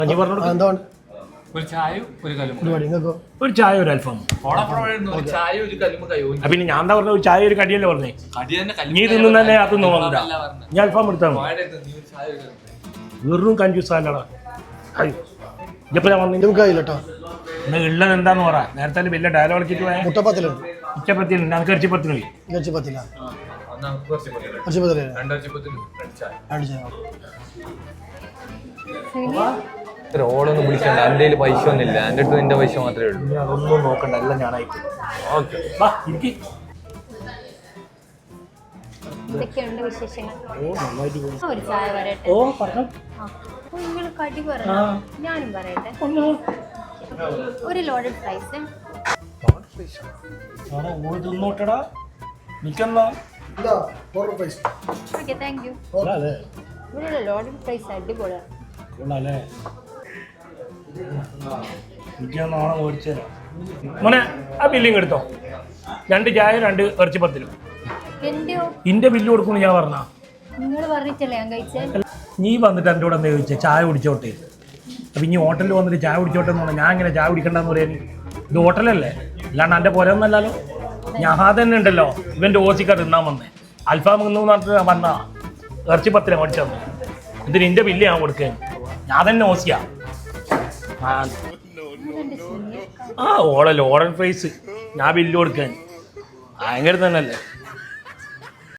ഒരു ചായ ഒരു അൽഫാം. പിന്നെ ഞാൻ എന്താ പറഞ്ഞ ഒരു ചായ ഒരു കടിയല്ലേ പറഞ്ഞേ? നീ തിന്നുന്ന തന്നെ അത് തോന്നില്ല. ഞാൻ അൽഫാം എടുത്താൽ വെറും കൺഫ്യൂസ് ആല്ലടാ. ഇപ്പൊ ഞാൻ വന്നിട്ട് ഉള്ളത് എന്താന്ന് പറ. നേരത്തെ വലിയ ഡയലോഗ് കളിച്ചിട്ട് പോയാൽ ഉച്ചപ്പത്തിലുണ്ട്. നമുക്ക് ഇറച്ചിപ്പത്തിന് പോയി. ഓളൊന്നും വിളിക്കണ്ട. എൻ്റെ കയ്യിൽ പൈസ ഒന്നുമില്ല. എൻ്റെ അടുത്ത് നിന്റെ പൈസ മാത്രമേ ഉള്ളൂ. അതൊന്നും നോക്കണ്ട, എല്ലാം ഞാനായി. എന്തൊക്കെയുണ്ട് വിശേഷങ്ങൾ? ഒരു ചായ വരട്ടെ. നിങ്ങൾ കടി പറഞ്ഞു, ഞാനും പറയട്ടെ. ഒരു ലോഡഡ് ഫ്രൈസ്. തിന്നോട്ടടാ ഓക്കെ, താങ്ക് യു. ഇവിടെ ലോഡഡ് ഫ്രൈസ് അടിപൊളിയാണ്. മോനെ ആ ബില്ലിങ് എടുത്തോ. 2 ചായ 2 ഇറച്ചിപ്പത്തിലും. ഇന്റെ ബില്ല് കൊടുക്കുന്നു ഞാൻ പറഞ്ഞ. നിങ്ങൾ പറഞ്ഞിട്ടല്ലേ ഞാൻ കഴിച്ചേ. നീ വന്നിട്ട് എൻ്റെ കൂടെ എന്താ ചോദിച്ചേ? ചായ കുടിച്ചോട്ടെ. അപ്പം ഇനി ഹോട്ടലിൽ വന്നിട്ട് ചായ കുടിച്ചോട്ടെ എന്ന് പറഞ്ഞാൽ ഞാൻ ഇങ്ങനെ ചായ കുടിക്കണ്ടെന്ന് പറയാൻ? ഇത് ഹോട്ടലല്ലേ, അല്ലാണ്ട് എൻ്റെ പുരയൊന്നല്ലല്ലോ. ഞാൻ തന്നെ ഉണ്ടല്ലോ ഇവൻ്റെ ഓസിക്കാർ തിന്നാൻ വന്നേ. അൽഫാം എന്ന് പറഞ്ഞിട്ട് വന്നാ ഇറച്ചിപ്പത്തിലെ മേടിച്ചു. ഇത് നിന്റെ ബില്ല് ഞാൻ കൊടുക്കാൻ. ഞാൻ തന്നെ ഓസിയാ. ഓളെ ലോഡൻ ഫ്രൈസ് ഞാൻ ബില്ല് കൊടുക്കാൻ ഭയങ്കര തന്നെയല്ലേ.